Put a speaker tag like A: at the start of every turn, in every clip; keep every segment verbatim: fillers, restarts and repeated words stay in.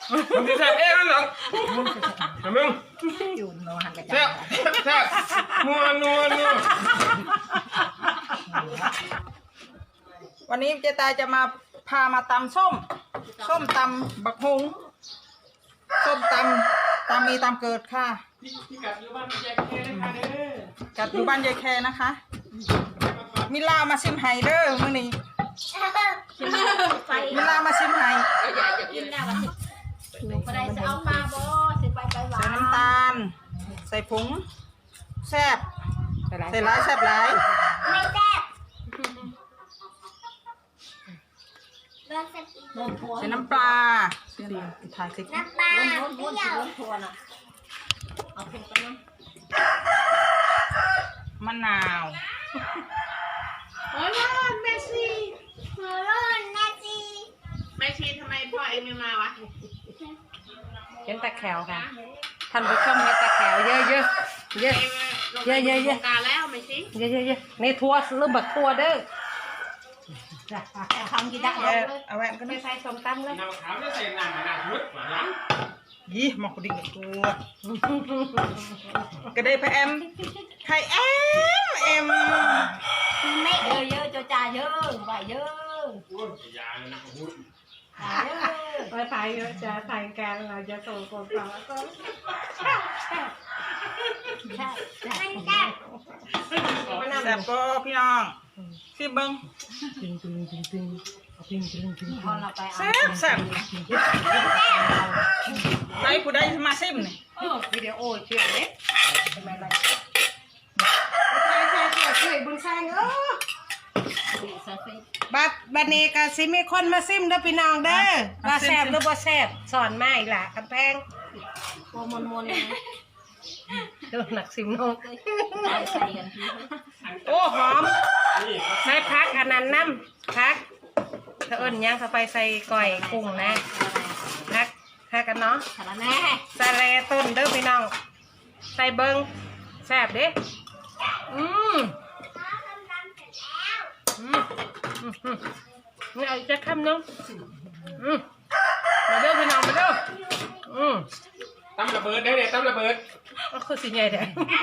A: มึงจะแซ่บเอ๊ะนั่นหรอมึง
B: อยู่โนหันกระจา
A: แซ่บแซ่บนัวนัวนัว
B: วันนี้เจตายจะมาพามาตำส้มส้มตำบักฮุงส้มตำตำมีตำเกิดค่ะ
A: พี่กัดอยู่บ้านยายแค่นะคะเด้อ
B: กัดอยู่บ้านยายแคนะคะมิลามาซิมไฮเด้อมื้อนี้มิลามาซิมไฮ
C: กินแล้วก็สิบ่ได้จะเอาปลาบ่สิไปไปหวา
B: ใส่
C: น
B: น้ำตาล ใส่ผงแซ่บใส่หลายแซ่บหลาย
C: ไม่แซ่บนมพัว
B: ใส่น้ำปลาเสียถ่ายสิ
C: น้ำปลาล้นล้นสิล้นพัวน่ะเอาเพิ่มไปน้
B: มะนาว
D: โอ้ยร้อนแม่ชี
C: ำหัวร้อนนะจี
D: แม่ชีทำไมพ่อเองไม่มาวะ
E: เห็นตะแขวค่ะท่านผู้ชมเห็นตะแขวเยอะเยอะเยอะ
D: เอง
E: เยอะเยอะเยอะ
D: โครงการแล้วแม่ชี
E: เยอะเยอะเยอะในทัวร์หรือบักทัวร์เด้อ
C: ทำกินได้
B: เอาเอาแหวนก็
E: ไม่
B: ได้
E: ใส่ส้มตำเลย
A: น้ำขาวจะใส่น้ำหนักมุดหวาน
B: ยี่หมอกดิ่งตัวก็ได้พะแอมไข่แอมแอม
C: ไม่เยอะเยอะจ้าจ้าเยอะไหวเยอะ
A: อ้วนยาเลยนะมุด
C: เยอะ
E: ไปถ่ายจะถ่ายการเราจะส่งคนต่อก็
C: ใช่ใช่ใช่
B: แซ่บก็พี่น้องสิเบิ้ง
E: ตึงตึงตึงตึงตึงตึงตึง
C: พอเราไปเอา
B: แซ่บแซ่บใครผู้ใดมาซิมนี่
E: เออวิดีโอเชื่อเด็กทำไมไรใช่ใช่ใช่ช่วยบุญสร้างเออบัดบัดนี้ก็สิมีคนมาซิมเด้อพี่น้องเด้อว่าแซ่บหรือบ่แซ่บสอนมาอีกล่ะกำแพง
C: ตัวมนมนเลย
E: เด้อหนักซิมน้อง
C: ใส่กันที
E: โอ้หอมใส่พักอันนั้นน้ำพักถ้าเอิ้นย่างเข้าไปใส่ก่อยกุ้งนะพักพักกันเนาะ
C: สารแน่
E: ใส่แลต้นเด้อพี่น้องใส่เบิ้งแซ่บเด้อืมอืมอืมอืมนี่เอาอีกจะคำนึงอืมมาเด้อพี่น้องมาเด้ออืม
A: ตั้มระเบิดได้เนี่ยตั้มระเบิด
E: ก็คือสิใหญ่เด้อ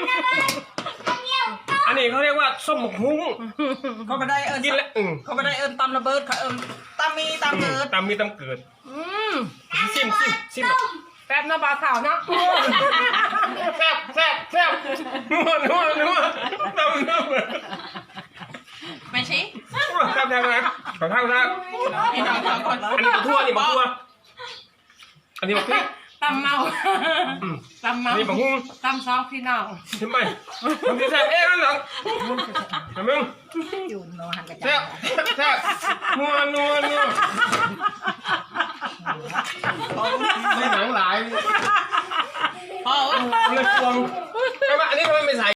A: อันนี้เขาเรียกว่าส้มหมกหุ้ง
B: เขาไม่ได้เอิญ
A: กินแล้วอืม
B: เขาไม่ได้เอิญตำระเบิดเขาเอิญตำมีตำเกิด
A: ตำมีตำเกิด
E: อืม
A: ซิมซิมซิม
E: แซ่บเนาะบ่าวขาวเนาะ
A: แซ่บแซ่บแซ่บนัวนัวนัวตำนัว
D: แม่ชี
A: แซ่บแซ่บนะขอท่าขอท่าอันนี้บักทั่วนี่บักทั่วอันนี้บักพริก
E: ตำเมาตำเมา
A: อันนี้บักหุ้ง
E: ตำซองพี่น้อง
A: ทำไมมึงจะแซ่บเอ๊ะนั่นหรอมึง
B: อยู่โนหันกระจา
A: แซ่บแซ่บนัวนัวนัว
B: ของ